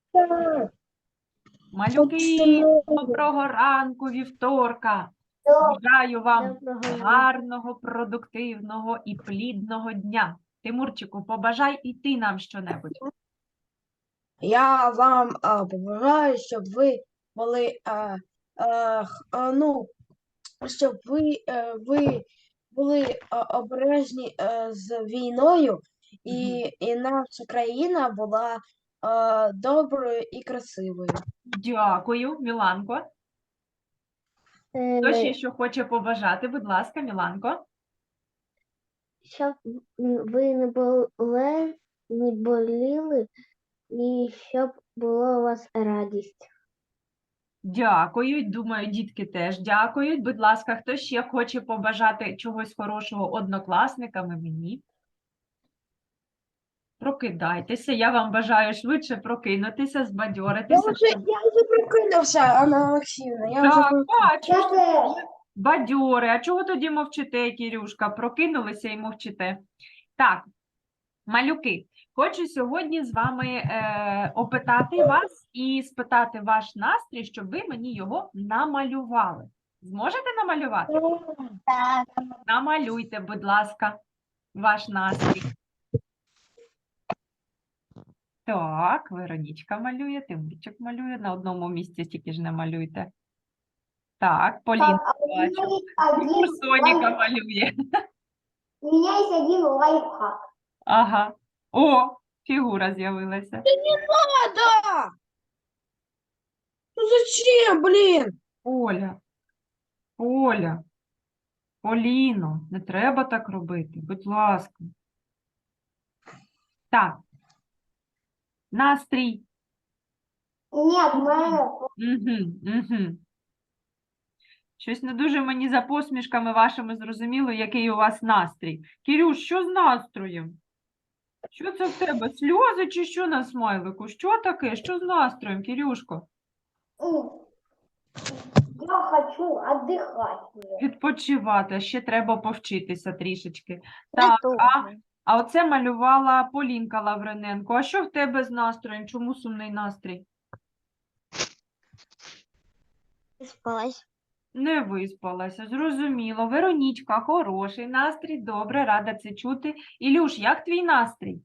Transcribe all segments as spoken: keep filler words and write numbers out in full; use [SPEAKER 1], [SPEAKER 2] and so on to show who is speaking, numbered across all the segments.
[SPEAKER 1] Малюки, доброго ранку, вівторка. Бажаю вам гарного, продуктивного і плідного дня. Тимурчику, побажай і ти нам щонебудь.
[SPEAKER 2] Я вам а, побажаю, щоб ви були, а, а, х- а, ну, щоб ви, е, ви були а, обережні е, з війною, і, і наша країна була а, доброю і красивою.
[SPEAKER 1] Дякую, Міланко. Хто ще що хоче побажати? Будь ласка, Міланко.
[SPEAKER 3] Щоб ви не були, не боліли, і щоб була у вас радість.
[SPEAKER 1] Дякую. Думаю, дітки теж дякують. Будь ласка, хто ще хоче побажати чогось хорошого однокласникам і мені? Прокидайтеся. Я вам бажаю швидше прокинутися,
[SPEAKER 2] Я
[SPEAKER 1] збадьоритися.
[SPEAKER 2] вже, я вже прокинувся, Анна Олексіївна. Я вже
[SPEAKER 1] Так,
[SPEAKER 2] прокинувся.
[SPEAKER 1] бачу, що ви бадьори. А чого тоді мовчите, Кірюшка? Прокинулися і мовчите. Так, малюки, хочу сьогодні з вами е, опитати вас і спитати ваш настрій, щоб ви мені його намалювали. Зможете намалювати?
[SPEAKER 3] Так.
[SPEAKER 1] Намалюйте, будь ласка, ваш настрій. Так, Веронічка малює, Тимурчик малює. На одному місці стільки ж не малюйте. Так, Полінка бачу. Тимур Соніка малює.
[SPEAKER 3] У меня есть один лайфхак.
[SPEAKER 1] Ага. О, фігура з'явилася.
[SPEAKER 2] Да! Ну зачем, блін?
[SPEAKER 1] Оля, Оля, Поліно, не треба так робити, будь ласка. Так. Настрій.
[SPEAKER 3] Нет, мы...
[SPEAKER 1] Угу, угу. Щось не дуже мені за посмішками вашими зрозуміло, який у вас настрій. Кирюш, що з настроєм? Що це в тебе? Сльози чи що на смайлику? Що таке? Що з настроєм, Кирюшко?
[SPEAKER 3] Я хочу отдыхать.
[SPEAKER 1] Відпочивати, а ще треба повчитися трішечки. Так, а, а оце малювала Полінка Лавриненко. А що в тебе з настроєм? Чому сумний настрій?
[SPEAKER 3] Спалась.
[SPEAKER 1] Не виспалася, зрозуміло. Веронічка, хороший настрій, добре, рада це чути. Ілюш, як твій настрій?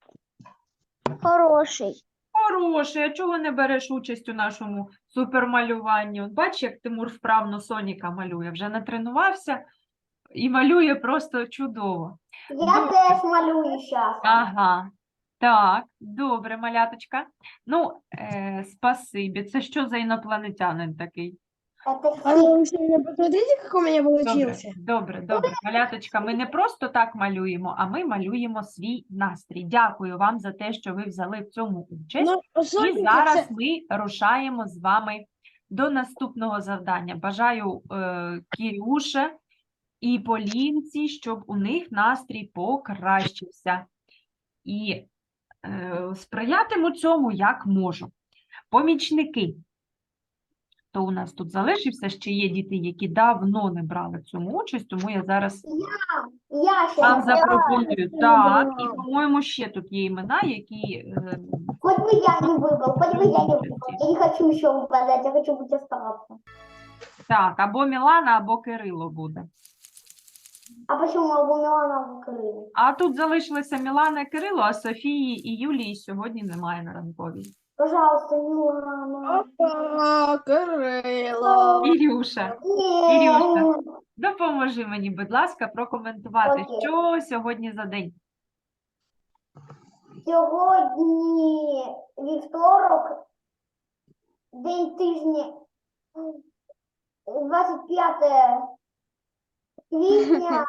[SPEAKER 3] Хороший.
[SPEAKER 1] Хороший, а чого не береш участь у нашому супермалюванні? От бач, як Тимур вправно Соніка малює, вже натренувався і малює просто чудово.
[SPEAKER 3] Я
[SPEAKER 1] Добре.
[SPEAKER 3] теж малюю сейчас.
[SPEAKER 1] Ага, так, добре, маляточка. Ну, е, спасибі. Це що за інопланетянин такий?
[SPEAKER 3] Это
[SPEAKER 2] Анна Олексіївна, посмотрите, як у мене
[SPEAKER 1] Добре,
[SPEAKER 2] получился.
[SPEAKER 1] добре, добре. Маляточка, ми не просто так малюємо, а ми малюємо свій настрій. Дякую вам за те, що ви взяли в цьому участь.
[SPEAKER 2] Ну,
[SPEAKER 1] І
[SPEAKER 2] Софійка,
[SPEAKER 1] зараз
[SPEAKER 2] це...
[SPEAKER 1] ми рушаємо з вами до наступного завдання. Бажаю е, Кірюше і Полінці, щоб у них настрій покращився. І е, сприятиму цьому як можу. Помічники. То у нас тут залишився, ще є діти, які давно не брали в цьому участь, тому я зараз
[SPEAKER 3] Я
[SPEAKER 1] вам
[SPEAKER 3] сейчас...
[SPEAKER 1] запропоную. Так, і, по-моєму, ще тут є імена, які... е,
[SPEAKER 3] Хоть бы я не выбрал, хоть бы я не выбрал. Я не хочу еще выпадать, я хочу быть оставаться.
[SPEAKER 1] Так, або Мілана, або Кирило буде.
[SPEAKER 3] А почему могу Милана выкрыли?
[SPEAKER 1] А тут залишилися Мілана і Кирило, а Софії і Юлії сьогодні немає на ранковій.
[SPEAKER 3] Пожалуйста, Милана.
[SPEAKER 2] Опа, Кирило.
[SPEAKER 1] Ірюша, Ірюша, допоможи мені, будь ласка, прокоментувати,
[SPEAKER 3] Окей.
[SPEAKER 1] що сьогодні за день.
[SPEAKER 3] Сьогодні вівторок, день тижня, двадцять п'яте квітня.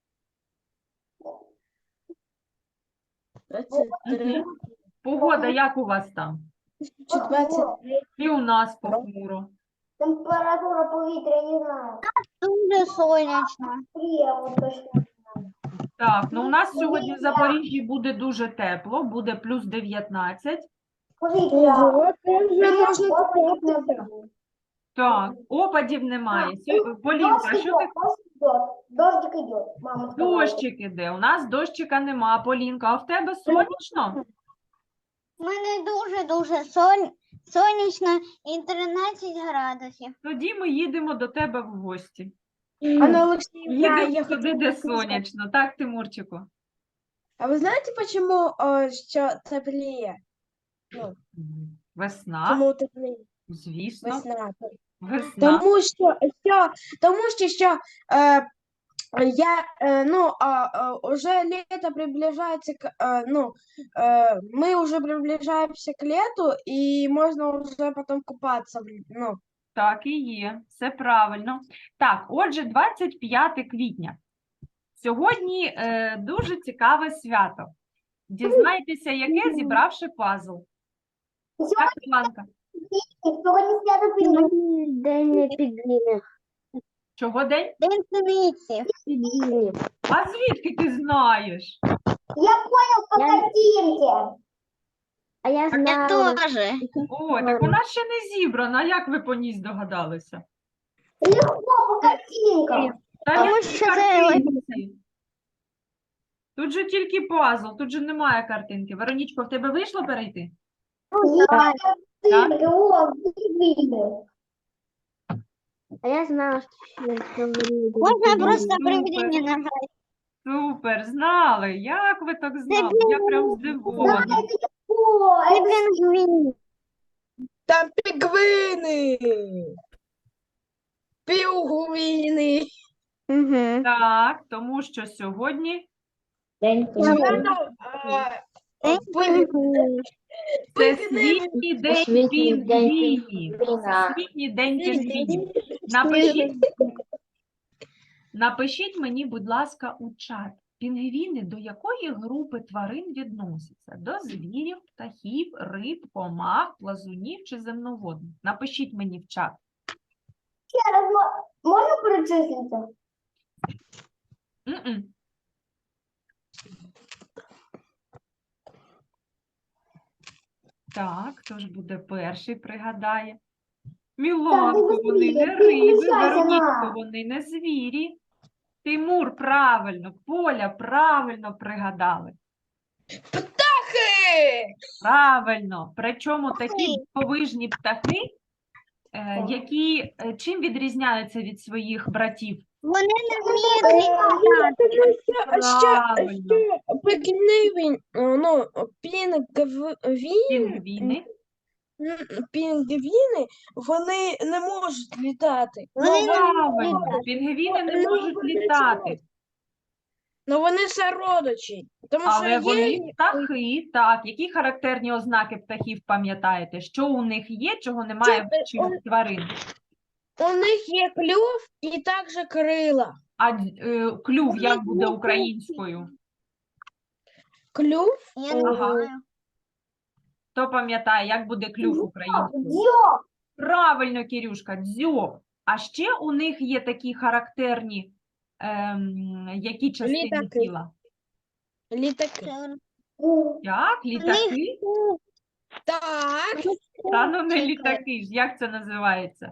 [SPEAKER 2] двадцять три,
[SPEAKER 1] Погода, як у вас там?
[SPEAKER 2] двадцять три.
[SPEAKER 1] І у нас похмуро.
[SPEAKER 3] Температура повітря, не знаю.
[SPEAKER 4] Дуже сонячно.
[SPEAKER 3] Трія, от точно.
[SPEAKER 1] Так, ну у нас сьогодні в Запоріжжі буде дуже тепло, буде плюс дев'ятнадцять.
[SPEAKER 3] Повітря.
[SPEAKER 2] Ого, це вже можна
[SPEAKER 3] Опадів не
[SPEAKER 2] купатися.
[SPEAKER 3] буде.
[SPEAKER 1] Так, опадів немає. Сьо- Полінка, а
[SPEAKER 3] Дождик
[SPEAKER 1] що ти?
[SPEAKER 3] идет, дождик идет. Дождик идет, мама сказала.
[SPEAKER 1] Дощик іде. У нас дощика нема, Полінка. А в тебе сонячно?
[SPEAKER 4] У мене дуже-дуже сон... сонячно і тринадцять градусів.
[SPEAKER 1] Тоді ми їдемо до тебе в гості.
[SPEAKER 2] Анна Алексеевна,
[SPEAKER 1] Їдемо
[SPEAKER 2] я
[SPEAKER 1] туди,
[SPEAKER 2] хотела
[SPEAKER 1] де
[SPEAKER 2] бы сказать,
[SPEAKER 1] сонячно. Так, Тимурчику?
[SPEAKER 2] а ви знаєте, почему е, що тепліє? Ну,
[SPEAKER 1] Весна,
[SPEAKER 2] чому тепліє?
[SPEAKER 1] звісно,
[SPEAKER 2] Весна.
[SPEAKER 1] весна.
[SPEAKER 2] Тому що, що, тому що, що е, я, е, ну, а, а, уже лето приближается к, е, ну, е, мы уже приближаемся к лету, и можно уже потом купаться, в л- ну,
[SPEAKER 1] Так і є, все правильно. Так, отже, двадцять п'яте квітня. Сьогодні е, дуже цікаве свято. Дізнайтеся, яке, зібравши пазл. Так, Іванка,
[SPEAKER 3] Сьогодні свято пізнання.
[SPEAKER 2] День пінгвінів.
[SPEAKER 1] чого день?
[SPEAKER 4] День синиці.
[SPEAKER 1] А звідки ти знаєш?
[SPEAKER 3] Я понял по
[SPEAKER 2] Я-
[SPEAKER 3] картинке.
[SPEAKER 2] А я
[SPEAKER 4] Я
[SPEAKER 2] знала.
[SPEAKER 4] теж.
[SPEAKER 1] О, так вона ще не зібрана. Як ви по ній здогадалися?
[SPEAKER 3] Легко по картинкам.
[SPEAKER 1] Та
[SPEAKER 4] Тому
[SPEAKER 1] які
[SPEAKER 4] що це
[SPEAKER 1] картинці? Тут же тільки пазл, тут же немає картинки. Веронічко, в тебе вийшло перейти?
[SPEAKER 3] Я картинки, о, видно.
[SPEAKER 2] А я знала, що
[SPEAKER 4] Можна просто
[SPEAKER 1] Супер.
[SPEAKER 4] приведення нажати.
[SPEAKER 1] Супер, знали. Як ви так знали? Я прям здивована.
[SPEAKER 3] О,
[SPEAKER 4] Це
[SPEAKER 3] это
[SPEAKER 4] пінгвін.
[SPEAKER 2] Там пінгвини. Пінгвини.
[SPEAKER 4] Угу.
[SPEAKER 1] Так, тому що сьогодні
[SPEAKER 2] День
[SPEAKER 1] це світній день
[SPEAKER 2] Світній день
[SPEAKER 1] пінгвінів.
[SPEAKER 2] пінгвіна.
[SPEAKER 1] Світній день пінгвінів. Напишіть, напишіть мені, будь ласка, у чат. Пінгвіни до якої групи тварин відносяться? До звірів, птахів, риб, комах, плазунів чи земноводних? Напишіть мені в чат.
[SPEAKER 3] ще раз мо- можна перечислити?
[SPEAKER 1] М-м. Так, хто ж буде перший, пригадає? Міланко,
[SPEAKER 3] Так,
[SPEAKER 1] вони не
[SPEAKER 3] ти
[SPEAKER 1] риби,
[SPEAKER 3] включайся,
[SPEAKER 1] Веронічко,
[SPEAKER 3] ма.
[SPEAKER 1] вони не звірі. Тимур, правильно, Поля, правильно пригадали.
[SPEAKER 2] Птахи!
[SPEAKER 1] Правильно. Причому такі дивовижні птахи, е, які е, чим відрізняються від своїх братів?
[SPEAKER 4] Вони не вміють літати.
[SPEAKER 1] Правильно.
[SPEAKER 2] Пінгвін, ну, пінгвін,
[SPEAKER 1] Пінгвіни.
[SPEAKER 2] пінгвіни, вони не можуть літати.
[SPEAKER 4] Вони не
[SPEAKER 1] Правильно.
[SPEAKER 4] літати.
[SPEAKER 1] Пінгвіни не
[SPEAKER 2] Ну,
[SPEAKER 1] можуть
[SPEAKER 2] вони
[SPEAKER 1] літати.
[SPEAKER 2] Ну вони сородичі, тому
[SPEAKER 1] Але
[SPEAKER 2] що
[SPEAKER 1] вони
[SPEAKER 2] є,
[SPEAKER 1] птахи, так. Які характерні ознаки птахів пам'ятаєте? Що у них є, чого немає в
[SPEAKER 2] Це,
[SPEAKER 1] інших тварин?
[SPEAKER 2] у них є клюв і також крила.
[SPEAKER 1] А е, клюв як буде українською?
[SPEAKER 2] Клюв,
[SPEAKER 4] Я не
[SPEAKER 1] Ага.
[SPEAKER 4] знаю.
[SPEAKER 1] Хто пам'ятає, як буде клюв українською?
[SPEAKER 3] Дзьоб.
[SPEAKER 1] Правильно, Кірюшка, дзьоб. А ще у них є такі характерні, ем, які частини
[SPEAKER 2] Літаки.
[SPEAKER 1] тіла?
[SPEAKER 2] літаки.
[SPEAKER 4] Це
[SPEAKER 1] Як? Літаки?
[SPEAKER 2] Так,
[SPEAKER 1] Та ну не літаки ж, як це називається?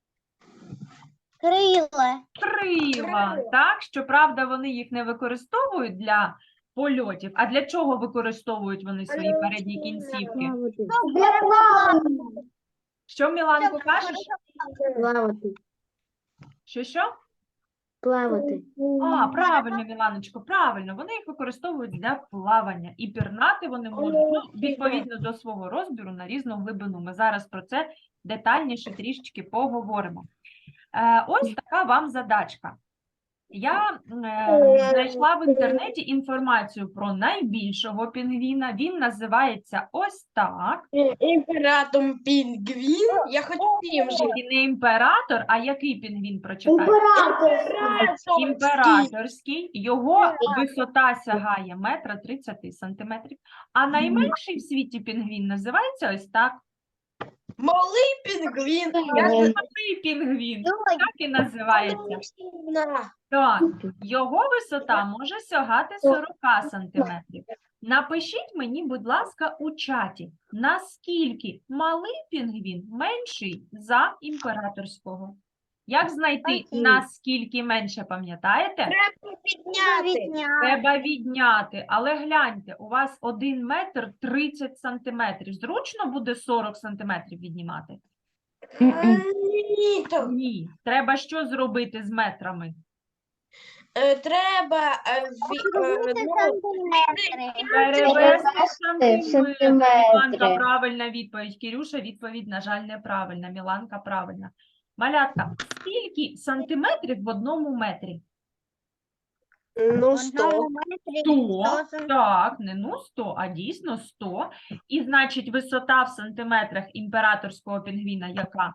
[SPEAKER 4] крила.
[SPEAKER 1] Крила. Так, щоправда, вони їх не використовують для польотів. А для чого використовують вони свої передні кінцівки?
[SPEAKER 3] Для плавання.
[SPEAKER 1] Що, Міланко, кажеш?
[SPEAKER 2] плавати,
[SPEAKER 1] Що, що?
[SPEAKER 2] плавати.
[SPEAKER 1] А, правильно, Міланочко, правильно. Вони їх використовують для плавання. І пірнати вони можуть, ну, відповідно до свого розміру, на різну глибину. Ми зараз про це детальніше трішечки поговоримо. Е, ось така вам задачка. Я е, знайшла в інтернеті інформацію про найбільшого пінгвіна. Він називається ось так.
[SPEAKER 2] Імператор пінгвін, я хотів вже.
[SPEAKER 1] І не імператор, а який пінгвін прочитає?
[SPEAKER 3] Імператорський.
[SPEAKER 1] Імператорський. Його висота сягає метра тридцяти сантиметрів. А найменший в світі пінгвін називається ось так.
[SPEAKER 2] Малий пінгвін.
[SPEAKER 1] Малий пінгвін. Так і називається. Так, його висота може сягати сорок сантиметрів. Напишіть мені, будь ласка, у чаті, наскільки малий пінгвін менший за імператорського. Як знайти,
[SPEAKER 4] Окей.
[SPEAKER 1] наскільки менше, пам'ятаєте?
[SPEAKER 2] Треба підняти.
[SPEAKER 4] Відняти.
[SPEAKER 1] Треба відняти. Але гляньте, у вас один метр тридцять сантиметрів. Зручно буде сорок сантиметрів віднімати?
[SPEAKER 2] Ні, то,
[SPEAKER 1] Ні. Треба що зробити з метрами?
[SPEAKER 2] е, треба е, ві- е,
[SPEAKER 4] Відняти
[SPEAKER 2] ну,
[SPEAKER 4] сантиметри.
[SPEAKER 1] Перевести в
[SPEAKER 4] Перевести в
[SPEAKER 1] сантиметри. Міланка,
[SPEAKER 4] сантиметри.
[SPEAKER 1] правильна відповідь. Кірюша, відповідь, на жаль, неправильна. Міланка, правильна. Малятка, скільки сантиметрів в одному метрі?
[SPEAKER 2] ну,
[SPEAKER 4] В
[SPEAKER 2] сто.
[SPEAKER 4] одному метрі
[SPEAKER 1] сто,
[SPEAKER 4] сто сантиметрів.
[SPEAKER 1] так, не ну сто, а дійсно сто. І, значить, висота в сантиметрах імператорського пінгвіна яка?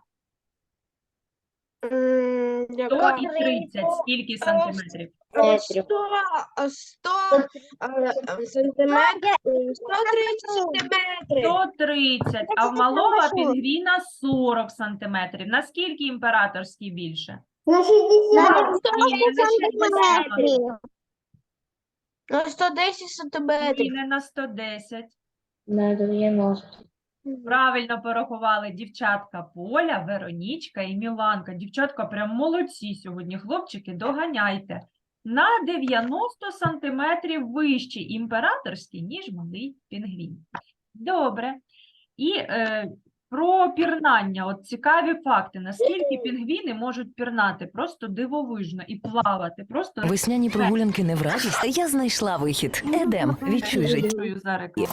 [SPEAKER 2] М,
[SPEAKER 1] сто
[SPEAKER 2] яка?
[SPEAKER 1] і тридцять. Скільки сантиметрів?
[SPEAKER 2] Е, сто, е, сто е, е, сантиметрів, е, сто тридцять сантиметрів.
[SPEAKER 1] сто тридцять, а в малого пінгвіна сорок сантиметрів. Наскільки імператорський більше?
[SPEAKER 3] На
[SPEAKER 4] На
[SPEAKER 3] шестьдесят.
[SPEAKER 1] Ні, не на шістдесят.
[SPEAKER 4] сантиметрів.
[SPEAKER 2] Ну, сто десять
[SPEAKER 1] Ні,
[SPEAKER 2] сантиметрів.
[SPEAKER 1] не на сто десять.
[SPEAKER 4] На дев'яносто.
[SPEAKER 1] Правильно порахували дівчатка Поля, Веронічка і Міланка. Дівчатка прям молодці сьогодні, хлопчики, доганяйте. На дев'яносто сантиметрів вищий імператорський, ніж малий пінгвін. Добре. І е, про пірнання. От цікаві факти. Наскільки пінгвіни можуть пірнати? Просто дивовижно і плавати. Просто
[SPEAKER 5] Весняні прогулянки не в радість. Я знайшла вихід. Едем, відчуй життя.
[SPEAKER 1] дякую за рекламу.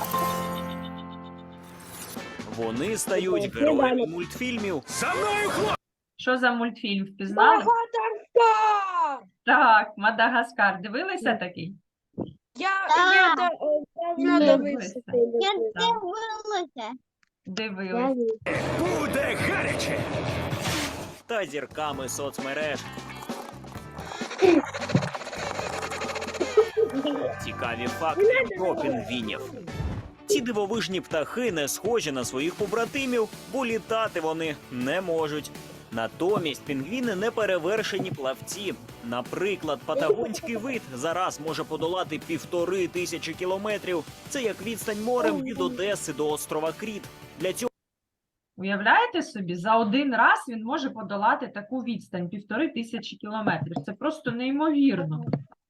[SPEAKER 6] Вони стають героями мультфільмів.
[SPEAKER 1] Що за мультфільм впізнали?
[SPEAKER 2] Мадагаскар!
[SPEAKER 1] Так, Мадагаскар. Дивилися такий?
[SPEAKER 2] Я,
[SPEAKER 4] Так.
[SPEAKER 2] я да- е, давно
[SPEAKER 1] Ні,
[SPEAKER 2] дивився.
[SPEAKER 1] дивися.
[SPEAKER 2] цей
[SPEAKER 4] Я
[SPEAKER 2] мультфільм.
[SPEAKER 4] дивилася.
[SPEAKER 1] Дивилися.
[SPEAKER 6] Буде гаряче! Та зірками соцмереж. Цікаві факти про пінгвінів. Ці дивовижні птахи не схожі на своїх побратимів, бо літати вони не можуть. Натомість пінгвіни не перевершені плавці. Наприклад, патагонський вид зараз може подолати півтори тисячі кілометрів. Це як відстань морем від Одеси до острова Кріт. Для цього
[SPEAKER 1] Уявляєте собі, за один раз він може подолати таку відстань, півтори тисячі кілометрів. Це просто неймовірно.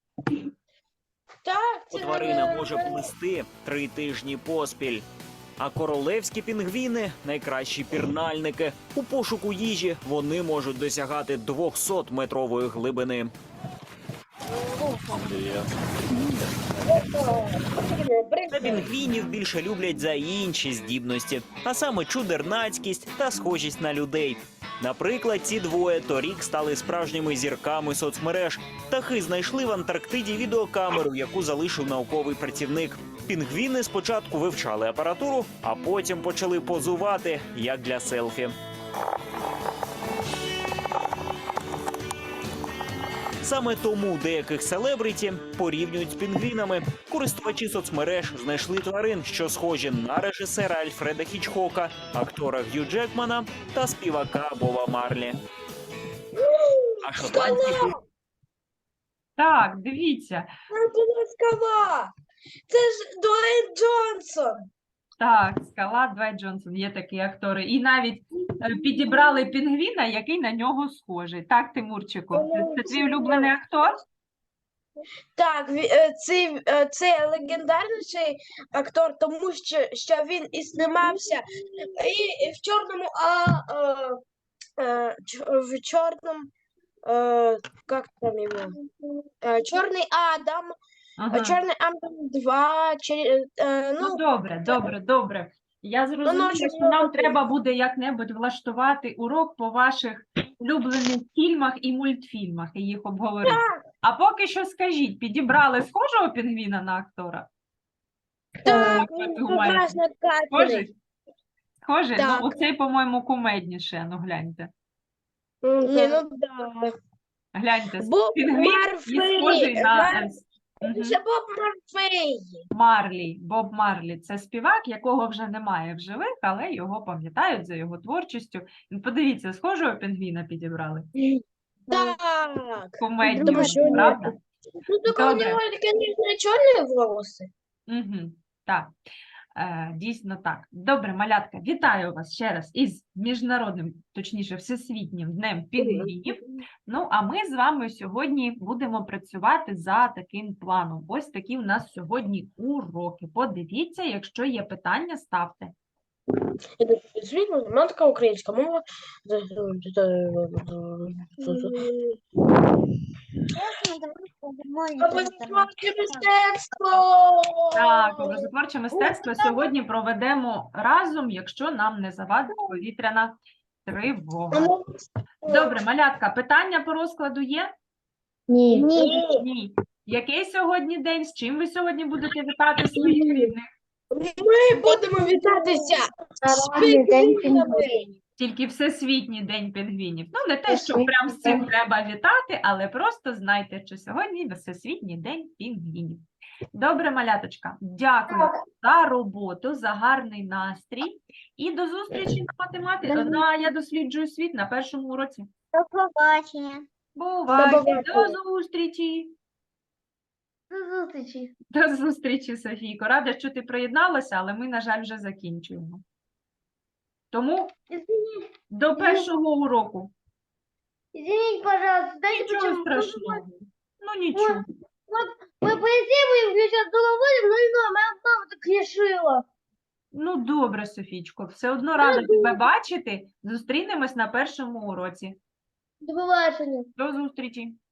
[SPEAKER 2] Так, це
[SPEAKER 6] тварина може плисти три тижні поспіль. А королевські пінгвіни – найкращі пірнальники. У пошуку їжі вони можуть досягати двохсотметрової глибини. Та пінгвінів більше люблять за інші здібності, а саме чудернацькість та схожість на людей. Наприклад, ці двоє торік стали справжніми зірками соцмереж. Птахи знайшли в Антарктиді відеокамеру, яку залишив науковий працівник. Пінгвіни спочатку вивчали апаратуру, а потім почали позувати, як для селфі. Саме тому деяких селебриті порівнюють з пінгвінами. Користувачі соцмереж знайшли тварин, що схожі на режисера Альфреда Хічкока, актора Г'ю Джекмана та співака Боба Марлі. А шотландський
[SPEAKER 1] Так, дивіться.
[SPEAKER 2] скала. Це ж Дуейн Джонсон.
[SPEAKER 1] Так, скала Двайт Джонсон, є такі актори. І навіть е, підібрали пінгвіна, який на нього схожий. Так, Тимурчику, це, це твій улюблений актор?
[SPEAKER 2] Так, ві- е, цей, е, це легендарніший актор, тому що, що він і знімався і в чорному, а е, е, ч- в чорному, е, як там його? Е, Чорний Адам,
[SPEAKER 1] Ага.
[SPEAKER 2] е, Чорний Адам два, чи, е,
[SPEAKER 1] Ну,
[SPEAKER 2] ну,
[SPEAKER 1] добре, добре, добре. Я зрозуміла,
[SPEAKER 2] щоб
[SPEAKER 1] що нам
[SPEAKER 2] його-
[SPEAKER 1] треба буде як-небудь влаштувати урок по ваших улюблених фільмах і мультфільмах і їх обговорити. А поки що скажіть, підібрали схожого пінгвіна на актора?
[SPEAKER 2] так,
[SPEAKER 1] Як ви
[SPEAKER 2] він
[SPEAKER 1] думаєте?
[SPEAKER 2] прекрасно
[SPEAKER 1] Схожий?
[SPEAKER 2] кадровий.
[SPEAKER 1] Схожий?
[SPEAKER 2] Так.
[SPEAKER 1] Ну, оцей, по-моєму, кумедніше. Ну, гляньте.
[SPEAKER 2] Ні, ну да.
[SPEAKER 1] Гляньте,
[SPEAKER 2] Боб
[SPEAKER 1] пінгвін і схожий
[SPEAKER 2] Марфей,
[SPEAKER 1] на
[SPEAKER 2] Мар-
[SPEAKER 1] е, с- Мгм.
[SPEAKER 2] Це Боб Марфей.
[SPEAKER 1] Марлі, Боб Марлі. Це співак, якого вже немає в живих, але його пам'ятають за його творчістю. І подивіться, схожого пінгвіна підібрали.
[SPEAKER 2] Так.
[SPEAKER 1] Кумедні,
[SPEAKER 2] Думаю, що ні.
[SPEAKER 1] правда?
[SPEAKER 2] Ну, только у
[SPEAKER 1] Добре.
[SPEAKER 2] него, конечно, черные волосы.
[SPEAKER 1] Угу. Так. Е, дійсно так. Добре, малятка, вітаю вас ще раз із міжнародним, точніше, всесвітнім днем пінгвінів. Ну, а ми з вами сьогодні будемо працювати за таким планом. Ось такі у нас сьогодні уроки. Подивіться, якщо є питання, ставте.
[SPEAKER 2] Світ, математика, українська мова. Образотворче мистецтво!
[SPEAKER 1] Так, образотворче мистецтво сьогодні проведемо разом, якщо нам не завадить повітряна тривога. Добре, малятка, питання по розкладу є?
[SPEAKER 3] Ні.
[SPEAKER 1] Ні. Який сьогодні день? З чим ви сьогодні будете вітати своїх рідних?
[SPEAKER 2] Ми будемо вітатися з
[SPEAKER 3] Народний день
[SPEAKER 2] пінгвінами.
[SPEAKER 1] Тільки Всесвітній день пінгвінів. Ну, не те, що прям з цим треба вітати, але просто знайте, що сьогодні Всесвітній день пінгвінів. Добре, маляточка, дякую за роботу, за гарний настрій. І до зустрічі на математиці. На «Я досліджую світ» на першому уроці.
[SPEAKER 4] До побачення.
[SPEAKER 1] Бувайте,
[SPEAKER 2] побачення.
[SPEAKER 1] до зустрічі.
[SPEAKER 3] До зустрічі.
[SPEAKER 1] До зустрічі, Софійко. Рада, що ти приєдналася, але ми, на жаль, вже закінчуємо. Тому до першого уроку.
[SPEAKER 3] Извините, пожалуйста, дайте
[SPEAKER 1] Нічого
[SPEAKER 3] почему?
[SPEAKER 1] страшного. Ну, нічого.
[SPEAKER 3] Мы поедим, я сейчас дома будем, но не знаю, моя мама так решила.
[SPEAKER 1] Ну, добре, Софічко. Все одно рада тебе бачити. Зустрінемось на першому уроці.
[SPEAKER 3] До побачення.
[SPEAKER 1] До зустрічі.